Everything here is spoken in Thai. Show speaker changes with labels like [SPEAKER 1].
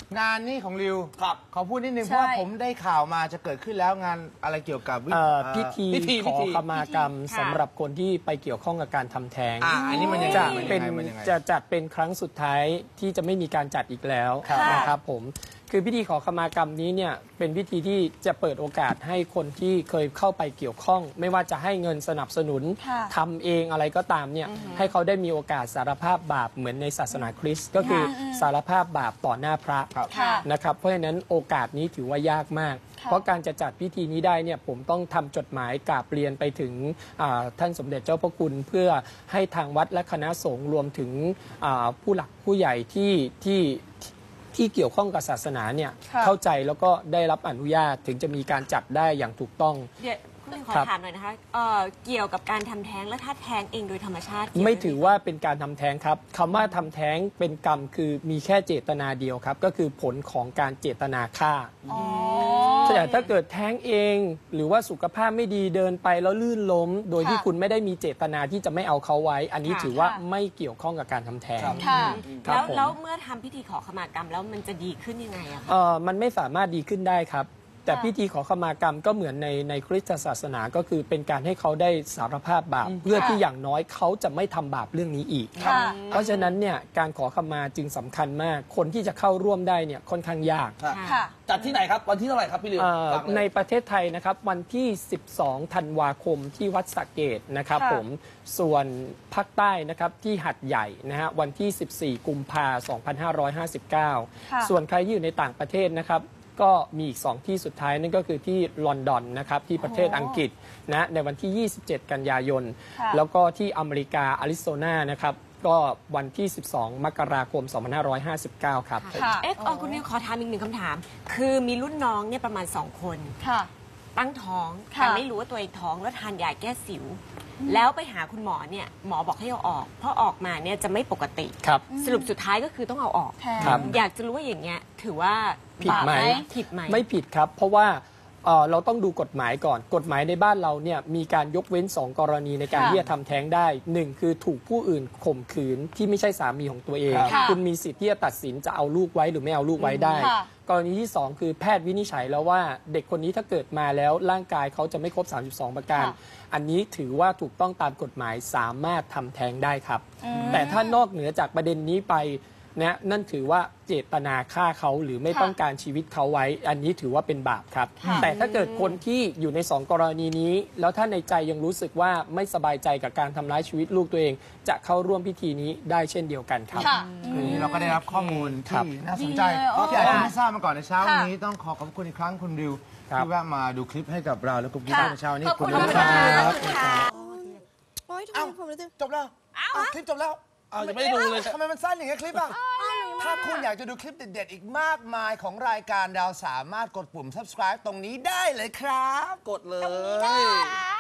[SPEAKER 1] งานนี้ของริว
[SPEAKER 2] ครับ
[SPEAKER 1] ขอพูดนิดนึงเพราะว่าผมได้ข่าวมาจะเกิดขึ้นแล้วงานอะไรเกี่ยวกับ
[SPEAKER 3] พิธีขอขมากรรมสำหรับคนที่ไปเกี่ยวข้องกับการทำแท้ง
[SPEAKER 1] อันนี้มันยังไง
[SPEAKER 3] จะจัดเป็นครั้งสุดท้ายที่จะไม่มีการจัดอีกแล้วนะครับผมคือพิธีขอขมากรรมนี้เนี่ยเป็นพิธีที่จะเปิดโอกาสให้คนที่เคยเข้าไปเกี่ยวข้อง ไม่ว่าจะให้เงินสนับสนุนทำเองอะไรก็ตามเนี่ยให้เขาได้มีโอกาสสารภาพบาปเหมือนในศาสนาคริสต์ก็คือสารภาพบาปต่อหน้าพระนะครับเพราะฉะนั้นโอกาสนี้ถือว่ายากมาก เพราะการจะจัดพิธีนี้ได้เนี่ยผมต้องทำจดหมายกราบเรียนไปถึงท่านสมเด็จเจ้าพระคุณเพื่อให้ทางวัดและคณะสงฆ์รวมถึงผู้หลักผู้ใหญ่ที่เกี่ยวข้องกับศาสนาเนี่ยเข้าใจแล้วก็ได้รับอนุญาตถึงจะมีการจัดได้อย่างถูกต้อง
[SPEAKER 4] เดี๋ยวคุณขอถามหน่อยนะคะเกี่ยวกับการทำแท้งและถ้าแท้งเองโดยธรรมชาติ
[SPEAKER 3] ไม่ถือว่าเป็นการทำแท้งครับคำว่าทำแท้งเป็นกรรมคือมีแค่เจตนาเดียวครับก็คือผลของการเจตนาฆ่าแต่ถ้าเกิดแท้งเองหรือว่าสุขภาพไม่ดีเดินไปแล้วลื่นล้มโดยที่คุณไม่ได้มีเจตนาที่จะไม่เอาเขาไว้อันนี้ถือว่าไม่เกี่ยวข้องกับการทำแท้ง
[SPEAKER 4] แล้วเมื่อทำพิธีขอขมากรรมแล้วมันจะดีขึ้นยังไงอะคะ
[SPEAKER 3] มันไม่สามารถดีขึ้นได้ครับแต่พิธีขอขมากรรมก็เหมือนในคริสตศาสนาก็คือเป็นการให้เขาได้สารภาพบาปเพื่อที่อย่างน้อยเขาจะไม่ทำบาปเรื่องนี้อีกเพราะฉะนั้นเนี่ยการขอขมาจึงสำคัญมากคนที่จะเข้าร่วมได้เนี่ยค่อนข้างยาก
[SPEAKER 2] จัดที่ไหนครับวันที่เท่าไหร่ครับพี่ริว
[SPEAKER 3] ในประเทศไทยนะครับวันที่ 12 ธันวาคมที่วัดสระเกตนะครับผมส่วนภาคใต้นะครับที่หัดใหญ่นะฮะวันที่ 14 กุมภาพันธ์ 2559 ส่วนใครที่อยู่ในต่างประเทศนะครับก็มีอีก2ที่สุดท้ายนั่นก็คือที่ลอนดอนนะครับที่ประเทศอังกฤษนะในวันที่ 27 กันยายนแล้วก็ที่อเมริกาอาริโซนานะครับก็วันที่ 12 มกราคม 2559 ครับ
[SPEAKER 4] คุณนิวขอถามอีกหนึ่งคำถามคือมีรุ่นน้องเนี่ยประมาณ2 คนตั้งท้องแต่ไม่รู้ว่าตัวเองท้องแล้วทานยาแก้สิวแล้วไปหาคุณหมอเนี่ยหมอบอกให้เอาออกเพราะออกมาเนี่ยจะไม่ปกติสรุปสุดท้ายก็คือต้องเอาออกอยากจะรู้ว่าอย่างเงี้ยถือว่า
[SPEAKER 3] ผิดไหมไม่ผิดครับเพราะว่าเราต้องดูกฎหมายก่อนกฎหมายในบ้านเราเนี่ยมีการยกเว้น2 กรณีในการที่จะทำแท้งได้1คือถูกผู้อื่นข่มขืนที่ไม่ใช่สามีของตัวเองคุณมีสิทธิ์ที่จะตัดสินจะเอาลูกไว้หรือไม่เอาลูกไว้ได้กรณีที่2คือแพทย์วินิจฉัยแล้วว่าเด็กคนนี้ถ้าเกิดมาแล้วร่างกายเขาจะไม่ครบ32 ประการอันนี้ถือว่าถูกต้องตามกฎหมายสามารถทำแท้งได้ครับแต่ถ้านอกเหนือจากประเด็นนี้ไปนะนั่นถือว่าเจตนาฆ่าเขาหรือไม่ต้องการชีวิตเขาไว้อันนี้ถือว่าเป็นบาปครับแต่ถ้าเกิดคนที่อยู่ใน2 กรณีนี้แล้วถ้าในใจยังรู้สึกว่าไม่สบายใจกับการทำร้ายชีวิตลูกตัวเองจะเข้าร่วมพิธีนี้ได้เช่นเดียวกันครับ
[SPEAKER 1] วันนี้เราก็ได้รับข้อมูลที่น่าสนใจที่อาจจะไม่ทราบมาก่อนในเช้าวันนี้ต้องขอบคุณอีกครั้งคุณริวที่แวะมาดูคลิปให้กับเราและคุณกิ๊ฟในเช้านี้
[SPEAKER 4] ขอบคุณครับ
[SPEAKER 5] โอ๊ยทำไมผมรู้สึก
[SPEAKER 1] จบแล้วคลิปจบแล้ว
[SPEAKER 2] ยังไม่ได้ดูเลย
[SPEAKER 1] ทำไมมันสั้นอย่างเงี้ยคลิปอ่ะถ้าคุณอยากจะดูคลิปเด็ดๆอีกมากมายของรายการเราสามารถกดปุ่ม subscribe ตรงนี้ได้เลยครับ
[SPEAKER 2] กดเลย